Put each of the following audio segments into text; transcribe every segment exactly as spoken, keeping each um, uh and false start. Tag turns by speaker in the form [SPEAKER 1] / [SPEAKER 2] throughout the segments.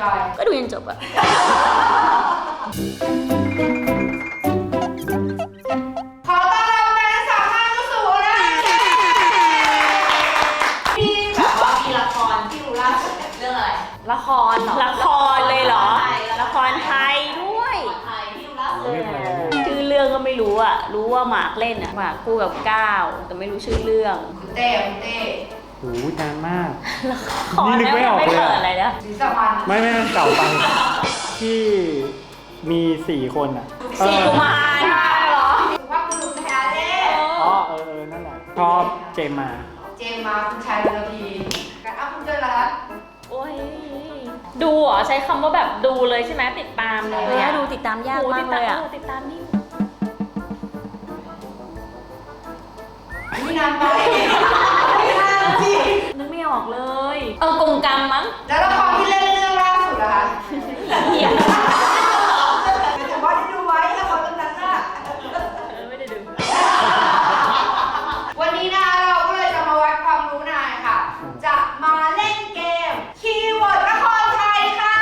[SPEAKER 1] อยก็ดูจนจบอะ
[SPEAKER 2] ขอต้อนรับแม่สาวท่านผู้สูงนะมีแบบว่ามีละครที่รู้ล่าสุดเรื่องอะไร
[SPEAKER 1] ละครเหรอละครเลยเหรอละครไทยด้วย
[SPEAKER 2] ไทยที่รู้ล่าสุด
[SPEAKER 1] ชื่อเรื่องก็ไม่รู้อะรู้ว่าหมากเล่นอะหมากคู่กับก้าวแต่ไม่รู้ชื่อเรื่อง
[SPEAKER 2] คุณเต้คุณเต้
[SPEAKER 3] โอ้โหนานมาก
[SPEAKER 1] นี่นึกไม่ออกเลยอะไรนะ
[SPEAKER 2] สีสมัน
[SPEAKER 3] ไม่ไม่เก่าไปที่มีสี่คนอ่ะ
[SPEAKER 1] สี่กุมารเหรอ
[SPEAKER 2] สุภาพบุรุษแท้เด้
[SPEAKER 3] อ๋อเออเออนั่นแหละชอบเจมมา
[SPEAKER 2] เจมมาคุณชายเรือพีกันอ้าวคุณเจอแล้ว
[SPEAKER 1] โอ้ยดูเหรอใช้คำว่าแบบดูเลยใช่ไหมติดตามเลยอะดูติดตามยากมากเลยอะติดตามนี่
[SPEAKER 2] ไม่นานไปไม่นานสิ
[SPEAKER 1] นึกไม่ออกเลยเออกงกรรมมั้ง
[SPEAKER 2] แล้วละครที่เล่นเรื่องล่าสุดอะคะ
[SPEAKER 1] เหี้ย
[SPEAKER 2] แต่ว่าได้ดูไว้ละครเรื่องนั้นน่ะ
[SPEAKER 1] ไม่ได้ดู
[SPEAKER 2] วันนี้นะเราก็เลยจะมาวัดความรู้นายค่ะจะมาเล่นเกมคีย์เวิร์ดละครไทยค่ะ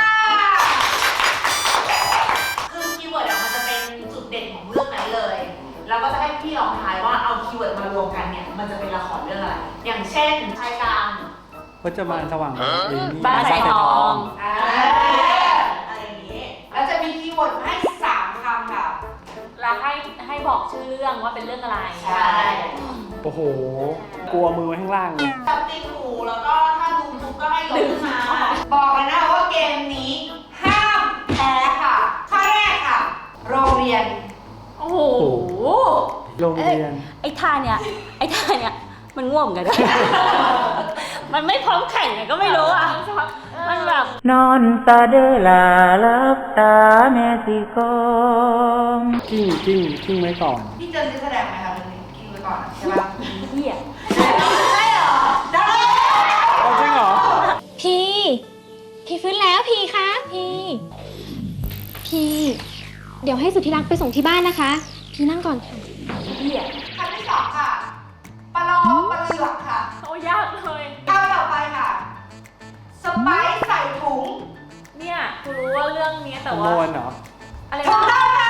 [SPEAKER 2] คือคีย์เวิร์ดอะมันจะเป็นจุดเด่นของเรื่องนั้นเลยแล้วก็จะให้พี่ลองทายว่าเอาคีย์เวิร์ดมารวมกันเนี่ยมันจะเป็นละครเรื่องอะไรอย่างเช่นชายกลาง
[SPEAKER 3] พจมานสว่าง
[SPEAKER 1] บ้านสายทอง
[SPEAKER 2] อะไรอย่างนี้แล้วจะมีคีย์เวิร์ดให้สามคำค่ะ
[SPEAKER 1] แล้วให้ให้บอกชื่อเรื่องว่าเป็นเรื่องอะไร
[SPEAKER 2] ใช่
[SPEAKER 3] โอ้โหกลัวมือไว้ข้างล่างเลย
[SPEAKER 2] จับติงหูแล้วก็ถ้าดูทุกก็ให้ยกขึ้นมาบอกเลยนะว่าเกมนี้ห้ามแพ้ค่ะข้อแรกค่ะโรงเรียน
[SPEAKER 1] โอ้โห
[SPEAKER 3] โรงเรียน
[SPEAKER 1] ไอ้ท่าเนี่ยไอ้ท่าเนี่ยมันง่วงกันมันไม่พร้อมแข่งไงก็ไม่รู้อ่ะมันแบบ
[SPEAKER 4] นอนตาเดลาลับตาแม่สิกอง
[SPEAKER 3] กิ้งกิ้งกิ้งไว้ก่อน
[SPEAKER 2] พี่เจนจะแสดงไหมคะเรื่องนี้กิ้งไว้ก่อนใช่ปะ
[SPEAKER 1] เหี้ย
[SPEAKER 2] ได้เหรอได้
[SPEAKER 3] จริงเหรอ
[SPEAKER 5] พี่พี่ฟื้นแล้วพี่คะพี่พี่เดี๋ยวให้สุธิรักไปส่งที่บ้านนะคะพี่นั่งก่อนค่ะ
[SPEAKER 1] เหี้ย
[SPEAKER 2] คำที่สองค่ะปลาลอปลาเหลือกค่ะ
[SPEAKER 1] โอ้ยากเลย
[SPEAKER 2] คำต่อไปค่ะสไปซ์ใส่ถุง
[SPEAKER 1] เนี่ยกูรู้ว่าเรื่องนี้แต่ว่า
[SPEAKER 3] โมนเหรอ
[SPEAKER 1] อะไร
[SPEAKER 2] ถูกต้องค่ะ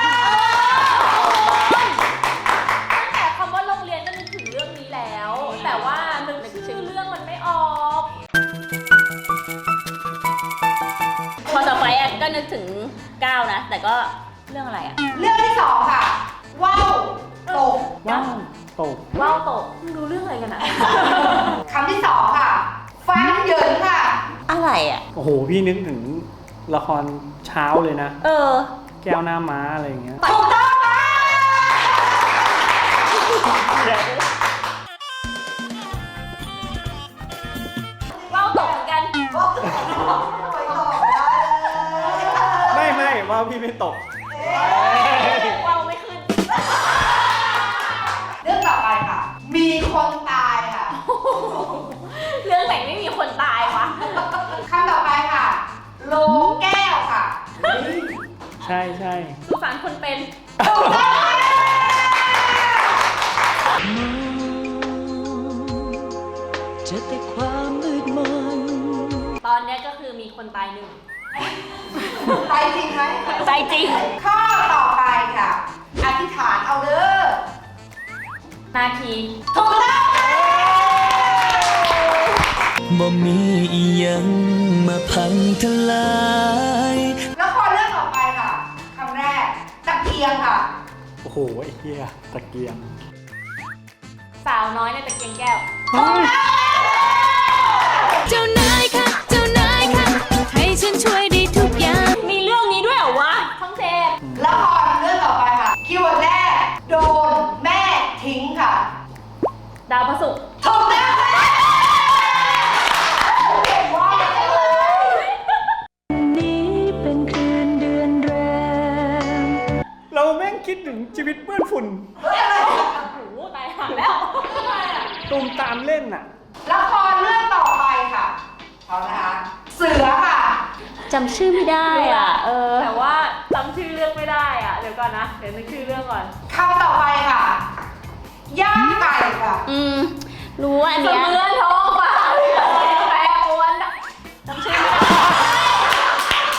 [SPEAKER 1] ตั้งแต่คำว่าโรงเรียนก็นึกถึงเรื่องนี้แล้วแต่ว่านึกชื่อเรื่องมันไม่ออกพอต่อไปอ่ะก็นึกถึงก้าวนะแต่ก็เรื่องอะไรอ่ะ
[SPEAKER 2] เรื่องที่สองค่ะว้าวตก
[SPEAKER 3] ว้าวตก
[SPEAKER 1] ว้าวตกมึงดูเรื่องอะไรกันอ่ะ
[SPEAKER 2] คำที่สองค่ะฟันเหยินค่ะ
[SPEAKER 1] อะไรอ่ะ
[SPEAKER 3] โอ้โหพี่นึกถึงละครเช้าเลยนะ
[SPEAKER 1] เออ
[SPEAKER 3] แก้วหน้าม้าอะไรอย่างเงี้ย
[SPEAKER 2] ถูกต้องค่ะ
[SPEAKER 1] ว้าวตกเหมือนกัน
[SPEAKER 3] ไม่ไม่ว้าวพี่ไม่ตก
[SPEAKER 1] ว้าวไม่ขึ้น
[SPEAKER 2] เรื่องต่อไปค่ะมีคนตายค่ะ
[SPEAKER 1] เรื่องไหนไม่มีคนตายวะ
[SPEAKER 2] คำต่อไปค่ะโลแก้วค่ะ
[SPEAKER 3] ใช่ใช่
[SPEAKER 1] สงสารคนเป็น
[SPEAKER 2] ถูกต้อง
[SPEAKER 4] จะแต่ความมืดมน
[SPEAKER 1] ตอนนี้ก็คือมีคนตายหนึ่ง
[SPEAKER 2] ตายจริงไหม
[SPEAKER 1] ตายจริง
[SPEAKER 2] ข้อต่อไปค่ะอธิษฐานเอาเด้อ
[SPEAKER 1] นาที
[SPEAKER 2] ถูกต้อง
[SPEAKER 4] บ่มีอีหยังมาพังทลาย
[SPEAKER 2] ละครเรื่องต่อไปค่ะคำแรกตะเกียงค่ะ
[SPEAKER 3] โอ้โหไอ้เหี้ยตะเกียง
[SPEAKER 1] สาวน้อยในตะเกียงแก้ว
[SPEAKER 5] เจ้านายค่ะเจ้านายค่ะให้ฉันช่วยได้ทุกอย่าง
[SPEAKER 1] มีเรื่องนี้ด้วยเหรอวะช่องเจ็ด
[SPEAKER 2] ละครเรื่องต่อไปค่ะคีย์เวิร์ดแรกโดนแม่ทิ้งค่ะ
[SPEAKER 1] ดาวพระศุกร์
[SPEAKER 2] ถูกต้อง
[SPEAKER 3] เราแม่งคิดถึงชีวิตเปื้อนฝุ่น
[SPEAKER 2] เฮ้ยอะไร
[SPEAKER 1] โอ้โหตายห่าแล้ว
[SPEAKER 3] ตูมตามเล่นน่ะ
[SPEAKER 2] ละครเรื่องต่อไปค่ะเอาละคะเสือค่ะ
[SPEAKER 1] จำชื่อไม่ได้อ่ะเออแต่ว่าจำชื่อเรื่องไม่ได้อ่ะเดี๋ยวก่อนนะเดี๋ยวนึกชื่อเรื่องก่อน
[SPEAKER 2] คำต่อไปค่ะย่างไก่ค่ะ
[SPEAKER 1] อืมรู้อันเนี้ยเสมือนท้องฟ้าแปรปรวนจำชื่อไม่ได้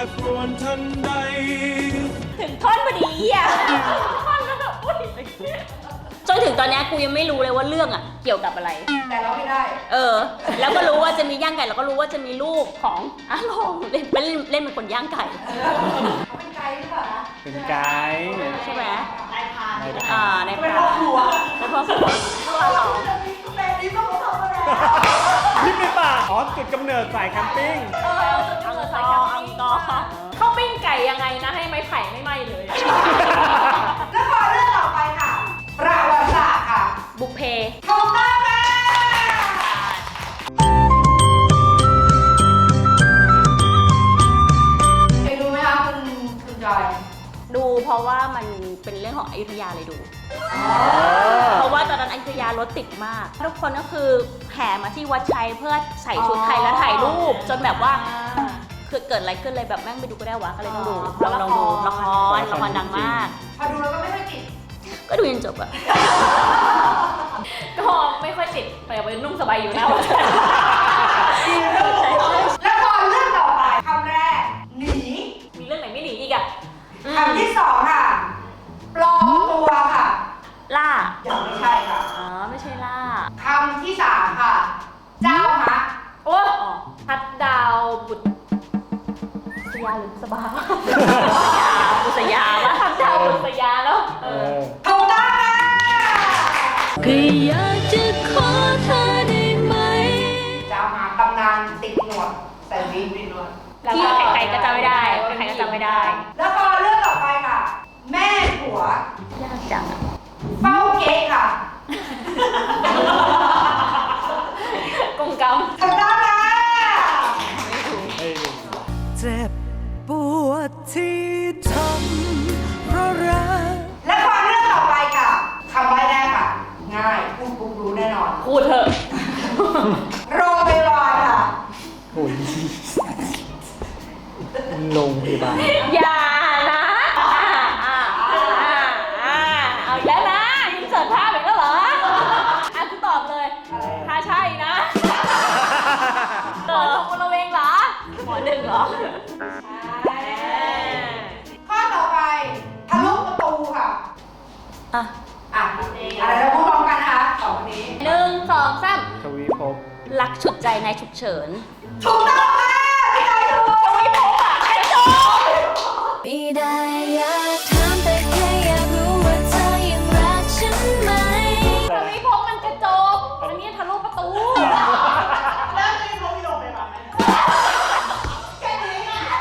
[SPEAKER 4] ปรวนทันใด
[SPEAKER 1] ถึงท่อนพอดีอ่ะท่อนแล้วแบบอุ้ยจนถึงตอนเนี้ยกูยังไม่รู้เลยว่าเรื่องอ่ะเกี่ยวกับอะไร
[SPEAKER 2] แต่เราไม่ได้
[SPEAKER 1] เออ แล้วก็รู้ว่าจะมีย่างไก่แล้วก็รู้ว่าจะมีลูกของอาลองเล่นเล่นเล่นเป็นคนย่างไก่
[SPEAKER 2] เขาเป็นไกด์หรือเปล่านะ
[SPEAKER 3] เป็นไกด์
[SPEAKER 1] ใช่ไหม
[SPEAKER 2] นายพราน
[SPEAKER 3] นายพราน
[SPEAKER 1] อ่าใน
[SPEAKER 2] เป็นพ่อครัว
[SPEAKER 1] เป็นพ่อครัวลูกอาลอง
[SPEAKER 2] แต่นี้ก็เขาทำมาแล้ว
[SPEAKER 3] นี่เป็นป่าอ๋อจุดกำเนิดสายแคมปิ้ง
[SPEAKER 1] เอออังกอร์อังกอร์
[SPEAKER 6] เข้าปิ้งไก่ยังไงนะให้ไม้ไผ่ไม่ไหม้เลย
[SPEAKER 2] แล้วพอเรื่องต่อไปค่ะ ประวัติศาสตร์ค่ะ
[SPEAKER 1] บุพเพ
[SPEAKER 2] ถูกต้องค่ะเคยดูไหมคะคุณคุณจอย
[SPEAKER 1] ดูเพราะว่ามันเป็นเรื่องของอยุธยาเลยดู เพราะว่าตอนนั้นอยุธยารถติดมาก ทุกคนก็คือแห่มาที่วัดชัยเพื่อใส่ชุดไทยแล้วถ่ายรูป จนแบบว่าคือเกิดอะไรขึ้นเลยแบบแม่งไปดูก็ได้วะก็เลยต้องดูลองลองดูละครละครดังมาก
[SPEAKER 2] พอดูแล้วก็ไม่ค่อยติด
[SPEAKER 1] ก็ดูจนจบอะ
[SPEAKER 6] ก็ไม่ค่อยติดแต่ไปนุ่งสบายอยู่แล้ว
[SPEAKER 2] แล้วพอเรื่องต่อไปคำแรก หนี
[SPEAKER 6] มีเรื่องไหนไม่หนีอีกอะ
[SPEAKER 2] คำที่สองค่ะ ปลอมตัวค่ะ
[SPEAKER 1] ล่า
[SPEAKER 2] ยังไม่ใช่ค่ะ
[SPEAKER 1] อ๋อไม่ใช่ล่า
[SPEAKER 2] คำที่สามค่ะ เจ้าฮะ
[SPEAKER 6] โอ้ทัดดาวบุตรสยาหรือสบา
[SPEAKER 1] บุษยาปะ
[SPEAKER 6] ทัดดาวบุตรสยาแล้ว
[SPEAKER 3] เออ
[SPEAKER 2] ถูกต้องค่ะ
[SPEAKER 4] ก็อยากจะขอเธอได้ไหม
[SPEAKER 2] เจ้าฮะตำนานติดหนวดแต่วินติดหนวด
[SPEAKER 1] ที่ใครๆก็จำไม่ได้ใครๆก็จำไม่ได้
[SPEAKER 2] แล้วพอเรื่องต่อไปค่ะ แม่ผัวย
[SPEAKER 1] ากจังอะ
[SPEAKER 2] เฝ้าเก๊กค่ะ
[SPEAKER 6] กงกรรม
[SPEAKER 2] ถูกต้องค่ะ
[SPEAKER 3] เฮ้ย
[SPEAKER 4] เจ็บปวดที่ทำเพราะรัก
[SPEAKER 2] และพอเรื่องต่อไปค่ะคำใบ้แรกค่ะ ง่ายพูดปุ๊บรู้แน่นอน
[SPEAKER 6] พูดเถอะ
[SPEAKER 2] โรงพยาบาลค่ะ
[SPEAKER 3] โอ้ยโรงพยาบาล
[SPEAKER 6] อย่านะอ่าอ่าอ่าอ่าเอาอีกแล้วนะยิงเสิร์ฟภาพอีกแล้วเหรออ่ะกูตอบเลยถ้าใช่นะเกิดตกบริเวณเหรอ
[SPEAKER 1] หมอหนึ่งเหรอ
[SPEAKER 2] ข้อต่อไปทะลุประตูค่ะ
[SPEAKER 1] อ่ะ
[SPEAKER 2] อ่ะอะไรเราพูดพร้อมกันนะคะสองคนนี้
[SPEAKER 1] หนึ่งสองสาม
[SPEAKER 3] ทวีภพ
[SPEAKER 1] รักฉุดใจในฉุกเฉิน
[SPEAKER 2] ถูกต้องค่ะพี่ชายถูกทวีภพอ่ะใครจบ
[SPEAKER 4] ไม่ได้อยากถามแต่แค่อยากรู้ว่าเธอยังรักฉันไหม
[SPEAKER 6] ทวีภพมันกระจกอันนี้ทะลุประตู
[SPEAKER 2] แล้วจะมีโรงพยาบาลไหมแค่นี้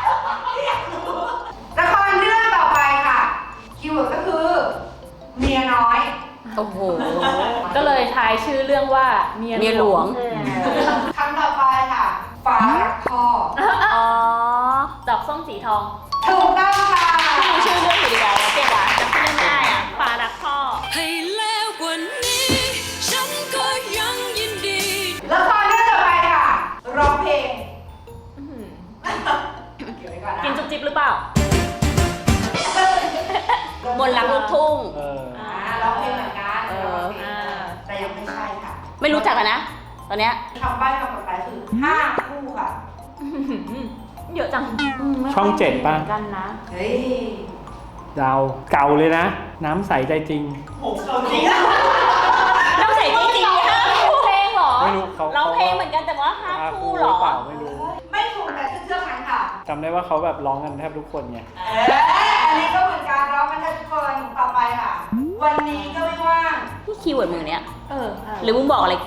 [SPEAKER 2] ละครเรื่องต่อไปค่ะ คีย์เวิร์ดก็คือ เมียน้อย
[SPEAKER 1] โอ้โห
[SPEAKER 6] ก็เลยทายชื่อเรื่องว่าเมีย
[SPEAKER 1] เมียหลวง
[SPEAKER 2] คำต่อไปค่ะฟ้ารักพ่อ
[SPEAKER 1] อ๋อ
[SPEAKER 6] ดอกส้มสีทอง
[SPEAKER 2] ถูกต้องค่ะ
[SPEAKER 1] ที่มีชื่อเรื่องอยู่ดีกว่าเก่งว่ะจำชื่อเรื่องไม่ได้อ่ะฟ้ารักพ่อ
[SPEAKER 4] ให้แล้วกว่านี้ ฉันก็ยังยินดี
[SPEAKER 2] ละครเรื่องต่อไปค่ะร้องเพลงเก็บไว้ก่อนนะ
[SPEAKER 6] กินจุ๊บจิ๊บหรือเปล่า
[SPEAKER 1] บนรักลูกทุ่ง
[SPEAKER 3] เออ
[SPEAKER 2] อ่าร้องเพลงเหมือนกัน
[SPEAKER 1] เออ
[SPEAKER 2] ร้องเพลงแต่ยังไม่ใช่ค่ะ
[SPEAKER 1] ไม่รู้จักกันนะ ตอนเนี้ย
[SPEAKER 2] คำใบ้คำต่อไปคือห้าคู่ค่ะ
[SPEAKER 6] เยอะจัง
[SPEAKER 3] ช่องเจ็ดป่ะ
[SPEAKER 6] กันนะ
[SPEAKER 2] เฮ้ย
[SPEAKER 3] ดาวเก่าเลยนะ น้ำใสใจจริง
[SPEAKER 2] โหเขาจริงอะ
[SPEAKER 1] น้ำใสจริงๆห้าคู่
[SPEAKER 6] เพลงเหรอ
[SPEAKER 3] ไม่รู้เขา
[SPEAKER 1] ร้องเพลงเหมือนกันแต่ว่าห้า
[SPEAKER 3] ห้า
[SPEAKER 1] คู่
[SPEAKER 3] คู่
[SPEAKER 1] เหรอ
[SPEAKER 3] เปล่าไม่รู้
[SPEAKER 2] ไม่ถูกแต่เชื่อมันค่ะ
[SPEAKER 3] จำได้ว่าเขาแบบร้องกันแทบทุกคนไง
[SPEAKER 2] เอออันนี้ก็เหมือนการร้องกันทุกคนต่อไปค่ะ วันนี้ก็ไม่ว่าง
[SPEAKER 1] นี่คีย์เวิร์ดมึงเนี้ย
[SPEAKER 6] เออ
[SPEAKER 1] หรือมึงบอกอะไรกู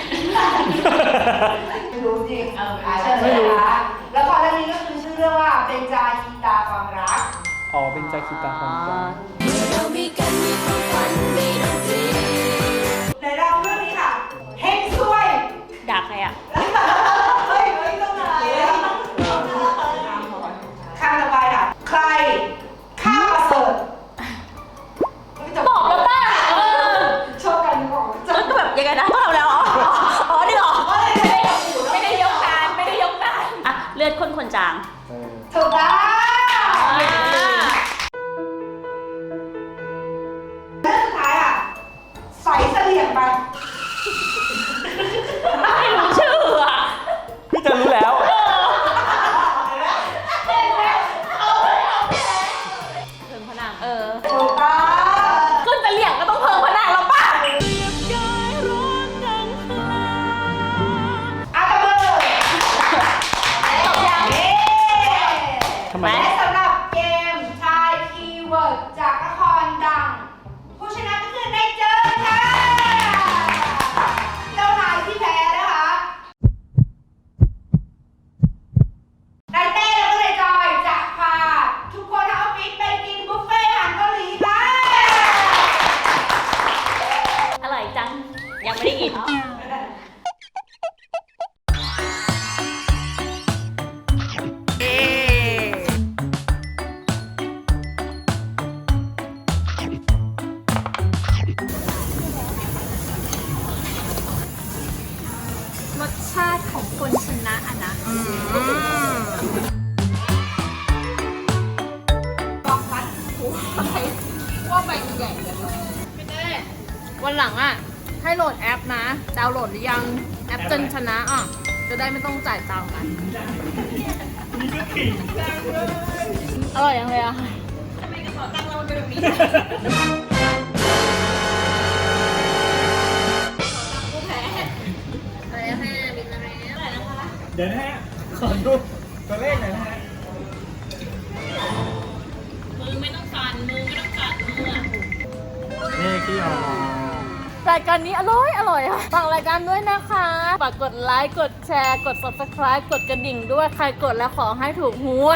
[SPEAKER 2] ไม่รู้จริงอ่าเชิญเลยนะคะแล้วพอเรื่องนี้ก็คือชื่อเรื่องว่าเป็นจาคีตาความรัก
[SPEAKER 3] อ๋อเป็นจาคิตาความจ
[SPEAKER 4] เรามีกันมีความฝันมีดนตรี
[SPEAKER 2] ในเราเรื่องนี้ค่ะเฮงซวย
[SPEAKER 1] ด่าใครอ่ะ
[SPEAKER 2] เฮ้ยเฮ้ยต้องไหนข้างต่อไปค่ะ ใครข้าวประเสริฐ
[SPEAKER 6] บอกแล้วป่ะเออ
[SPEAKER 2] ชอบกันบอกจะ
[SPEAKER 1] แล้วก็แบบยังไงนะพวกเราแล้วอ๋ออ๋อนี่เหรอ
[SPEAKER 6] ไม่ได้ยกการไม่ได้ยกการ
[SPEAKER 1] อ่ะเลือดข้นคนจาง
[SPEAKER 3] ำเออ
[SPEAKER 2] ถูกต้องเรื่องสุดท้ายอ่ะใส่เสลี่ยงไป
[SPEAKER 1] ไม่รู้ชื่ออ่ะ
[SPEAKER 3] พี่จะรู้แล้ว
[SPEAKER 2] เห็นไหม
[SPEAKER 6] วันหลังอ่ะ ให้โหลดแอปนะ ดาวน์โหลดหรือยัง แอปจนชนะอ่ะ จะได้ไม่ต้องจ่ายตังค์นะอร่อยยังเลยอ่ะ
[SPEAKER 1] ทำไมกระเป๋าตังค์เราเป็นแบบนี้
[SPEAKER 6] อะไรนะแม่บินอะไรอะไรนะคะ
[SPEAKER 3] เดี๋ยวนะฮะ ขอดูตัวเลขหน่อยนะฮะ
[SPEAKER 1] มือไม่ต้องสั่นมือไม่ต้องสั่นมืออะ
[SPEAKER 3] นี่ที่เอา
[SPEAKER 6] รายการนี้อร่อยอร่อยค่ะฝากรายการด้วยนะคะฝากกดไลค์ กดแชร์ กด subscribe กดกระดิ่งด้วย ใครกดแล้วขอให้ถูกหวย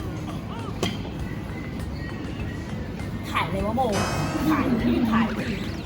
[SPEAKER 1] ถ่ายเลยว่าโมถ่ายที่ถ่าย